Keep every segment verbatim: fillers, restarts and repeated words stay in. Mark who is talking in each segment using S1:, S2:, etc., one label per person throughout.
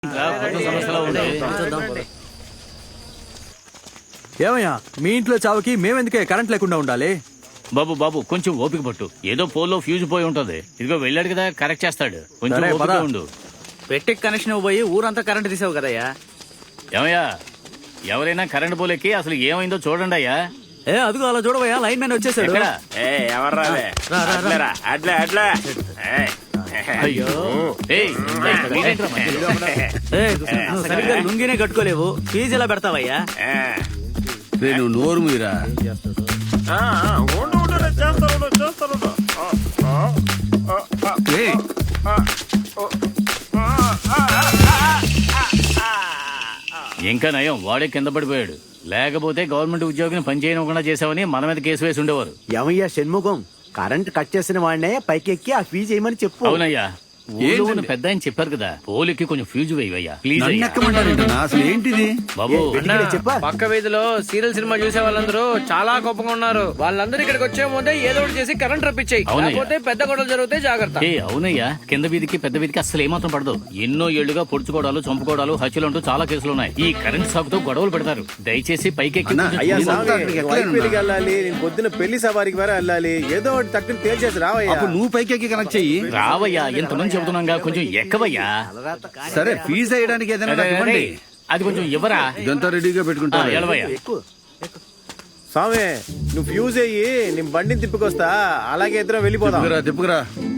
S1: ఏమయ్యా మీ ఇంట్లో చావుకి మేమెందుకే కరెంట్ లేకుండా ఉండాలి?
S2: బాబు బాబు కొంచెం ఓపిక పట్టు. ఏదో పోల్లో ఫ్యూజ్ పోయి ఉంటది. ఇదిగో వెళ్ళాడు కదా, కరెక్ట్ చేస్తాడు. కొంచెం ఓపిక ఉండు.
S3: పెట్టి కనెక్షన్ పోయి ఊరంతా కరెంట్ తీసావు కదయ్యా.
S2: ఏమయ్యా, ఎవరైనా కరెంట్ పోలేకి అసలు ఏమైందో చూడండి అయ్యా.
S1: ఏ అదిగో అలా చూడవయ్యా, లైన్ మ్యాన్ వచ్చేసాడు.
S3: సరిగ్గా లుంగినే కట్టుకోలేవు, ఫీజు ఎలా పెడతావయ్యా?
S4: నేను నోరు మీరా
S2: ఇంకా నయం, వాడే కింద పడిపోయాడు. లేకపోతే గవర్నమెంట్ ఉద్యోగిని పనిచేయకుండా చేసావని మన మీద కేసు వేసి ఉండేవారు.
S5: ఏమయ్యా షణ్ముఖం, కరెంట్ కట్ చేసిన వాడినే పైకి ఎక్కి ఆ ఫీజు వేయమని చెప్పు.
S2: అవునయ్యా, పెద్ద ఆయన చెప్పారు కదా, పోలికి కొంచెం ఫ్యూజ్ వేయవయ్యా ప్లీజ్.
S4: అసలు ఏంటిది
S2: బాబు?
S5: చెప్పా,
S3: పక్క వీధిలో సీరియల్ సినిమా చూసే వాళ్ళందరూ చాలా గొప్పగా ఉన్నారు. వాళ్ళందరూ ఇక్కడికి వచ్చే ముందే ఏదో ఒకటి చేసి కరెంట్ రప్పించాయి, లేకపోతే పెద్ద గొడవలు జరిగితే జాగ్రత్త.
S2: ఏ అవునయ్యా, కింద వీధికి పెద్ద వీధికి అసలు ఏమాత్రం పడదు. ఎన్నో ఏళ్లుగా పొడుచుకోవడాలు, చంపుకోవడాలు, హత్యలు అంటూ చాలా కేసులు ఉన్నాయి. ఈ కరెంట్ షాక్ తో గొడవలు పెడతారు. దయచేసి పైకి
S6: వెళ్ళాలి. పొద్దున పెళ్లి సవారికి వరే వెళ్ళాలి. ఏదో ఒకటి తక్కువ తేల్చేసి రావయ్యా.
S4: నువ్వు పైకి కనెక్ట్ చెయ్యి.
S2: రావయ్యా, ఎంతమంది చెబుతున్నాగా, కొంచెం ఎక్కవయ్యా.
S4: సరే, ఫీజు వేయడానికి ఏదైనా ఇవ్వండి.
S2: అది కొంచెం ఇవ్వరా.
S4: ఇదంతా రెడీగా పెట్టుకుంటా.
S6: స్వామి, నువ్వు ఫ్యూజ్ అయ్యి నేను బండిని తిప్పుకొస్తా. అలాగే ఇద్దరం వెళ్ళిపోదాం.
S4: తిప్పుకురా.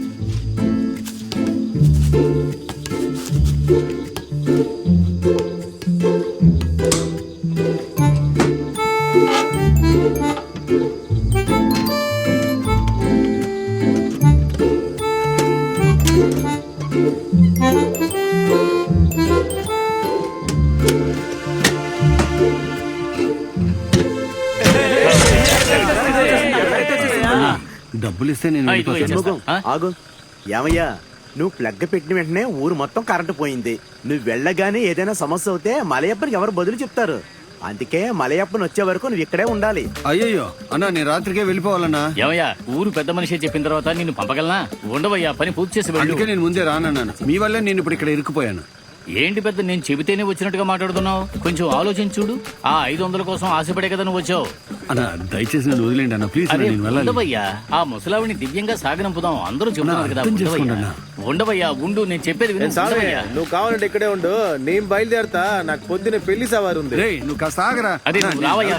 S4: డబ్బులు ఇస్తే నేను
S5: ఆగు. ఏమయ్యా, నువ్వు ప్లగ్ పెట్టిన వెంటనే ఊరు మొత్తం కరెంటు పోయింది. నువ్వు వెళ్ళగానే ఏదైనా సమస్య అవుతే మలయప్పనికి ఎవరు బదులు చెప్తారు? అందుకే మలయప్పని వచ్చే వరకు నువ్వు ఇక్కడే ఉండాలి.
S4: అయ్యయ్యో అన్నా, నేను రాత్రికే వెళ్ళిపోవాలన్నా.
S2: ఏమయ్యా, ఊరు పెద్ద మనిషి చెప్పిన తర్వాత నిన్ను పంపగలనా? ఉండవయ్యా, పని పూర్తి చేసి.
S4: అందుకే నేను ముందే రానన్నాను. మీ వల్లే నేను ఇప్పుడు ఇక్కడ ఇరుక్కుపోయాను.
S2: ఏంటి పెద్ద, నేను చెబితేనే వచ్చినట్టుగా మాట్లాడుతున్నావు? కొంచెం ఆలోచించుడు. ఆ ఐదు వందల కోసం ఆశపడే కదా నువ్వు వచ్చావు.
S4: అన్నా, దయచేసి నన్ను వదిలేండి అన్న, ప్లీజ్.
S2: ఉండవయ్యా, ఆ ముసలావిని దివ్యంగా సాగనంపుదాం. అందరూ చెప్తున్నారు కదా. ఉండవయ్యా, ఉండు, నేను చెప్పేది విను.
S6: నువ్వు కావాలంటే ఇక్కడే ఉండు, నేను బయలుదేరతా. నాకు పొద్దున పెళ్లి సవారు ఉంది.
S4: నువ్వు కాస్త ఆగరా.
S2: అదే రావయ్యా.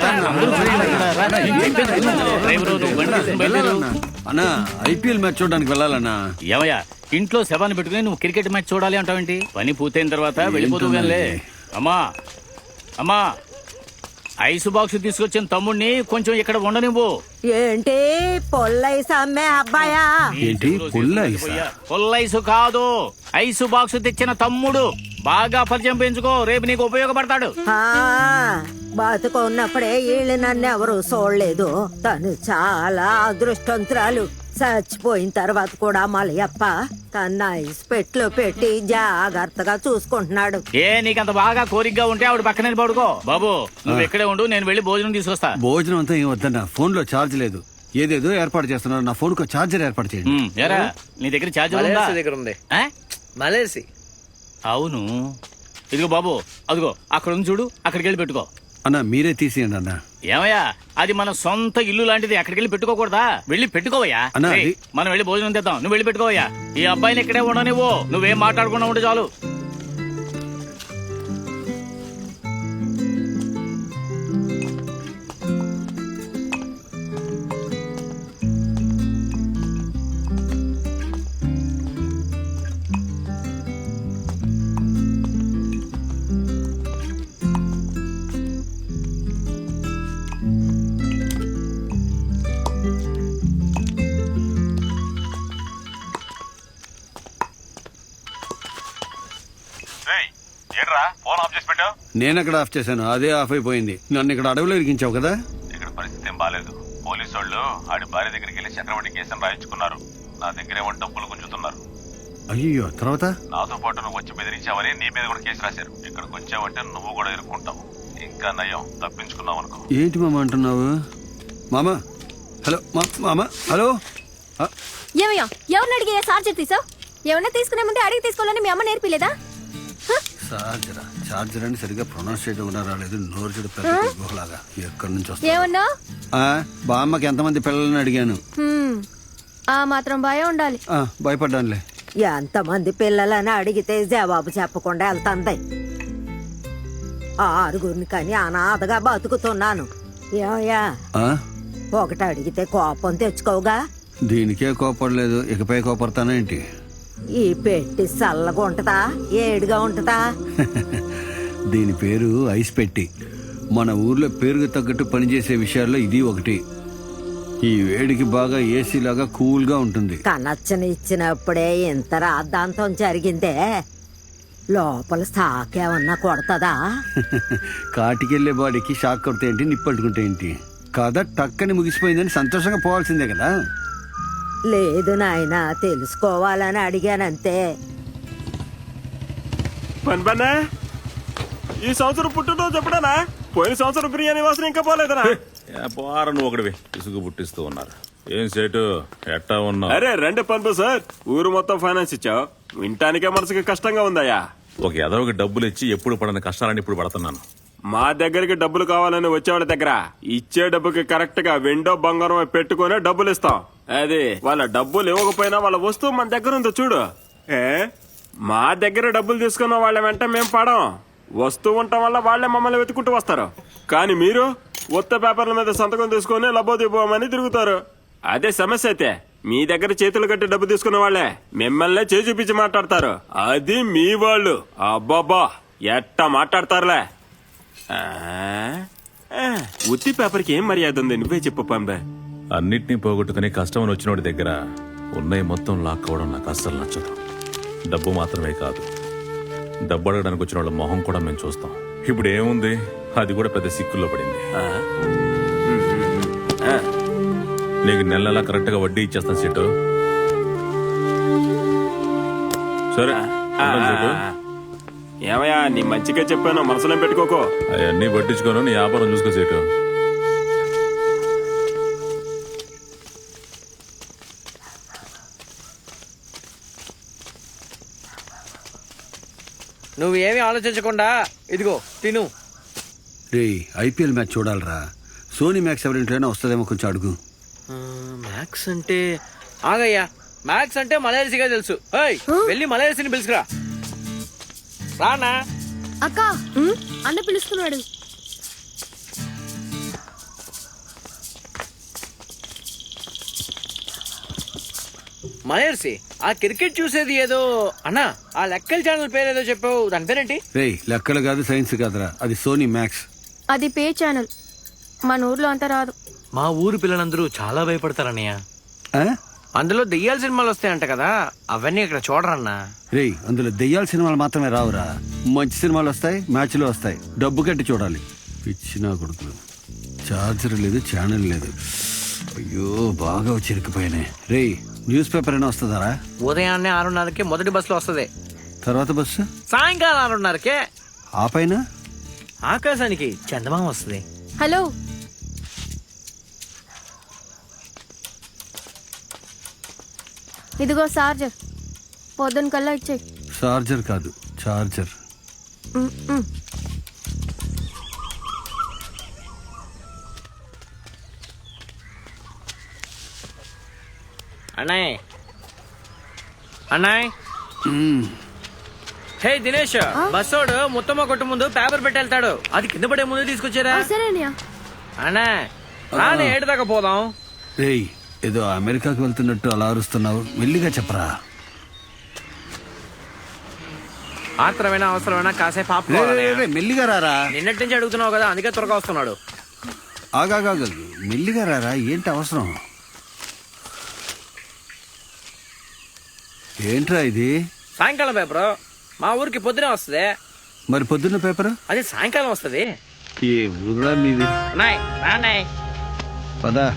S4: అన్నా, ఐపీఎల్ మ్యాచ్ చూడడానికి వెళ్ళాలన్నా.
S2: ఏమయ్యా, ఇంట్లో శవాన్ని పెట్టుకుని నువ్వు క్రికెట్ మ్యాచ్ చూడాలి అంటావేంటి? పని పూర్తయిన తర్వాత వెళ్ళిపోతూ గానిలే. అమ్మా అమ్మా, ఐసు బాక్స్ తీసుకొచ్చిన తమ్ముడిని కొంచెం ఇక్కడ ఉండనివ్వు.
S7: ఏంటి పొల్లైస్ అమ్మే అబ్బాయా?
S4: ఏంటి పొల్లైస్?
S2: పొల్లైసు కాదు, ఐసు బాక్స్ తెచ్చిన తమ్ముడు. బాగా పరిచయం పెంచుకో, రేపు నీకు ఉపయోగపడతాడు.
S7: బతుకున్నప్పుడే వీళ్ళు నన్ను ఎవరు చూడలేదు. తను చాలా అదృష్టవంతురాలు. చచ్చిపోయిన తర్వాత కూడా మలయప్ప తన ఐస్ పెట్లో పెట్టి జాగ్రత్తగా చూసుకుంటున్నాడు.
S2: ఏ నీకంత బాగా కోరికగా ఉంటే ఆవిడ పక్కనే పడుకో. బాబు, నువ్వు ఇక్కడే ఉండు, నేను వెళ్ళి భోజనం తీసుకొస్తా.
S4: భోజనం అంతా ఏం వద్దన్నా, ఫోన్ లో ఛార్జ్ లేదు. ఏదేదో ఏర్పాటు చేస్తున్నారు. నా ఫోన్ కు ఛార్జర్ ఏర్పాటు చేయండి.
S2: ఎరా, నీ దగ్గర ఛార్జర్
S3: దగ్గర ఉంది. మలేసి.
S2: అవును, ఇదిగో బాబు, అదిగో అక్కడ ఉంది చూడు, అక్కడికి వెళ్ళి పెట్టుకో.
S4: అన్నా, మీరే తీసేయండి అన్నా.
S2: ఏమయ్యా, అది మన సొంత ఇల్లు లాంటిది. అక్కడికి వెళ్ళి పెట్టుకోకూడదా? వెళ్ళి పెట్టుకోవయ్యా. మనం వెళ్ళి భోజనం తెద్దాం, నువ్వు వెళ్ళి పెట్టుకోవయ్యా. ఈ అబ్బాయిని ఇక్కడే ఉండనివ్వు, నువ్వేం మాట్లాడకుండా ఉంటే చాలు.
S4: నేను ఎక్కడ ఆఫ్ చేశాను, అదే ఆఫ్ అయిపోయింది. నన్ను ఇక్కడ అడవిలో ఇరికించావు కదా.
S8: ఇక్కడ పరిస్థితి ఏం బాలేదు. పోలీసు వాళ్ళు ఆడి భార్య దగ్గరికి వెళ్ళి చక్రవడ్డీ కేసును రాయించుకున్నారు. నా దగ్గరేమో డబ్బులు గుంజుతున్నారు.
S4: అయ్యో, తర్వాత
S8: నాతో పాటు నువ్వు వచ్చి బెదిరించావని నీ మీద కూడా కేసు రాశారు. ఇక్కడికి వచ్చావంటే నువ్వు కూడా ఇరుక్కుంటావు. ఇంకా నయం, తప్పించుకున్నావు అనుకో.
S4: ఏంటి మామ అంటున్నావు? మామ, హలో మామ, హలో.
S9: ఏమయ్యా, ఎవరిని అడిగి చార్జర్ తీసావు? ఏమన్నా తీసుకునే ముందే అడిగి తీసుకోవాలని మీ అమ్మ నేర్పిలేదా?
S4: చార్జరా చార్జర్ అని సరిగ్గా ప్రొనౌన్స్ చేయడం కూడా రాలేదు. నోరు చెడు పెద్ద గుహలాగా ఎక్కడి నుంచి వస్తా.
S9: ఏమన్నా
S4: బామ్మకి ఎంతమంది పిల్లలని అడిగాను.
S9: హ్మ్. ఆ మాత్రం భయం ఉండాలి.
S4: ఆ, భయపడ్డానులే.
S7: ఎంతమంది పిల్లలని అడిగితే జవాబు చెప్పకుండా వెళ్తాంది. ఆరుగురిని కానీ అనాథగా బతుకుతున్నాను. ఏమయ్యా,
S4: ఆ?
S7: ఒకటి అడిగితే కోపం తెచ్చుకోగా.
S4: దీనికే కోపడలేదు, ఇకపై కోపడతానేంటి?
S7: ఈ పెట్టి చల్లగా ఉంటదా ఏడుగా ఉంటదా?
S4: దీని పేరు ఐస్ పెట్టి. మన ఊర్లో పేరుకు తగ్గట్టు పనిచేసే విషయాల్లో ఇది ఒకటి. ఈ వేడికి బాగా ఏసీ లాగా కూల్ గా ఉంటుంది.
S7: కనచ్చని ఇచ్చినప్పుడే ఇంత రాద్ధాంతం జరిగిందే. లోపల సాకేమన్నా కొడతదా?
S4: కాటికెళ్లే బాడీకి షాక్ కొడితే ఏంటి, నిప్పట్టుకుంటే ఏంటి? కథ టక్కని ముగిసిపోయిందని సంతోషంగా పోవాల్సిందే కదా.
S7: లేదు నాయనా, తెలుసుకోవాలని అడిగానంతే.
S6: పని పన్నా ఈ సంవత్సరం పుట్టినరోజు ఎప్పుడనా? పోయిన సంవత్సరం బిర్యానీ వాసన ఇంకా పోలేదనా?
S8: పోరా నువ్వు ఒకటివి ఇసుగు పుట్టిస్తూ ఉన్నారు. ఏం సేటు ఎట్టా ఉన్నావు?
S6: అరే రండి పనుపు సార్, ఊరు మొత్తం ఫైనాన్స్ ఇచ్చావు, వింటానికే మనసుకి కష్టంగా ఉందయ్యా.
S8: ఒక ఎదవకి డబ్బులు ఇచ్చి ఎప్పుడు పడని కష్టాలని ఇప్పుడు పడుతున్నాను.
S6: మా దగ్గరికి డబ్బులు కావాలని వచ్చేవాళ్ళ దగ్గర ఇచ్చే డబ్బుకి కరెక్ట్ గా వెండో బంగారం పెట్టుకునే డబ్బులు ఇస్తాం. అది వాళ్ళ డబ్బులు ఇవ్వకపోయినా వాళ్ళ వస్తువు మన దగ్గర ఉందో చూడు. ఏ మా దగ్గర డబ్బులు తీసుకున్న వాళ్ళ వెంట మేం పడం. వస్తువు ఉండటం వల్ల వాళ్లే మమ్మల్ని వెతుకుంటూ వస్తారు. కానీ మీరు ఉత్త పేపర్ల మీద సంతకం తీసుకుని లబోదిపోమని తిరుగుతారు. అదే సమస్య అయితే మీ దగ్గర చేతులు కట్టి డబ్బు తీసుకున్న వాళ్లే మిమ్మల్నే చేయి చూపించి మాట్లాడతారు. అది మీ వాళ్ళు. అబ్బాబా ఎట్టా మాట్లాడతారులే. ఆ, ఆ, ఉత్తి పేపర్కి ఏం మర్యాద ఉంది నువ్వే చెప్పు పంబే.
S8: అన్నిటినీ పోగొట్టుకుని కష్టమని వచ్చినోడి దగ్గర ఉన్నాయి మొత్తం లాక్కోవడం నాకు అస్సలు నచ్చదు. డబ్బు మాత్రమే కాదు, డబ్బు అడగడానికి వచ్చిన వాళ్ళ మొహం కూడా మేము చూస్తాం. ఇప్పుడు ఏముంది, అది కూడా పెద్ద సిక్కుల్లో పడింది. నీకు నెల నెలా కరెక్ట్ గా వడ్డీ ఇచ్చేస్తాను సీటు. సరే
S6: ఏమయ్యా, నీ మంచిగా చెప్పాను, మనసులో పెట్టుకోకో.
S8: అవన్నీ పట్టించుకోను, నీ వ్యాపారం చూసుకో సీటు.
S3: నువ్వేమి ఆలోచించకుండా ఇదిగో తిను.
S4: రే ఐపీఎల్ మ్యాచ్ చూడాలరా. సోనీ మ్యాక్స్ ఎవరింట్లోనే వస్తుందేమో, కొంచెం అడుగు.
S3: మ్యాక్స్ అంటే ఆగయ్యా, మ్యాక్స్ అంటే మలయర్సిగా తెలుసు. ఏయ్, వెళ్ళి మలయర్సిని పిలుచుకురా. రానా
S9: అక్క, అన్న పిలుస్తున్నాడు.
S3: మలయర్సి, ఆ క్రికెట్ చూసేది ఏదో అన్నా, ఆ లెక్కల ఛానల్ పేరేదో చెప్పావు, దాని పేరేంటి?
S4: రే లెక్కలు కాదు, సైన్స్ కాదురా, అది సోనీ మ్యాక్స్.
S9: అది పే ఛానల్. మన ఊర్లో అంత రాదు.
S3: మా ఊరు పిల్లలందరూ చాలా భయపడతారన్నయ్య.
S4: ఆ?
S3: అందులో దెయ్యాల సినిమాలు వస్తాయంట కదా, అవన్నీ ఇక్కడ చూడరన్నా.
S4: రే అందులో దెయ్యాల సినిమాలు మాత్రమే రావురా, మంచి సినిమాలు వస్తాయి, మ్యాచ్లు వస్తాయి. డబ్బు కట్టి చూడాలి. పిచ్చినా కొడుకులు. చార్జర్ లేదు, ఛానల్ లేదు. అయ్యో బాగా వచ్చి ఇరుక్కుపోయినాయి. రే న్యూస్ పేపర్ అయినా వస్తుందారా?
S3: ఉదయాన్నే ఆరున్నరకే మొదటి బస్సులో వస్తుంది.
S4: తర్వాత బస్సు
S3: సాయంకాలం ఆరున్నరకే.
S4: ఆ పైన
S3: ఆకాశానికి చందమామ వస్తుంది.
S9: హలో, ఇదిగో చార్జర్. పొద్దున కల్లా ఇచ్చేయి.
S4: చార్జర్ కాదు, చార్జర్.
S3: అన్నాయ్ అన్నాయ్ హే దినేష్, బస్సోడు ముత్తమ్మ కొట్టు ముందు పేపర్ పెట్టి వెళ్తాడు, అది కింద పడే ముందు తీసుకొచ్చారా?
S9: సరేనయ్యా.
S3: అన్నా రాని ఏడు దాకా పోదాం.
S4: రేయ్ ఏదో అమెరికాకి వెళ్తున్నట్టు అలా అరుస్తున్నావు, మెల్లిగా చెప్పరా.
S3: ఆత్రమైనా అవసరమైనా కాసేపు ఆపు.
S4: రే, రే, రే, మెల్లిగా రారా.
S3: నిన్నటి నుంచి అడుగుతున్నావు కదా, అందుకే త్వరగా వస్తున్నాడు.
S4: ఆగాగా మెల్లిగా రారా, ఏంటి అవసరం? ఏంట్రా ఇది?
S3: సాయంకాలం పేపర్ మా ఊరికి పొద్దునే వస్తుంది.
S4: మరి పొద్దున్న పేపర్?
S3: అది సాయంకాలం వస్తుంది.
S4: ఏ ఊరా మీది?
S3: నాయ్ రానాయ్
S4: పదా.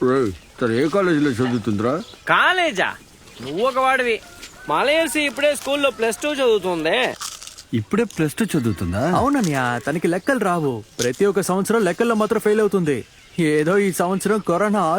S4: రేయ్, తను ఏ కాలేజీలో చదువుతుందిరా?
S3: కాలేజా? నువ్వు ఒక వాడివి. మలయర్సి ఇప్పుడే స్కూల్లో ప్లస్ టూ చదువుతుంది.
S4: ఇప్పుడే ప్లస్ టూ చదువుతుందా?
S1: అవునన్యా, తనకి లెక్కలు రావు. ప్రతి ఒక్క సంవత్సరం లెక్కల్లో మాత్రం ఫెయిల్ అవుతుంది. ఏదో ఈ సంవత్సరం కరోనా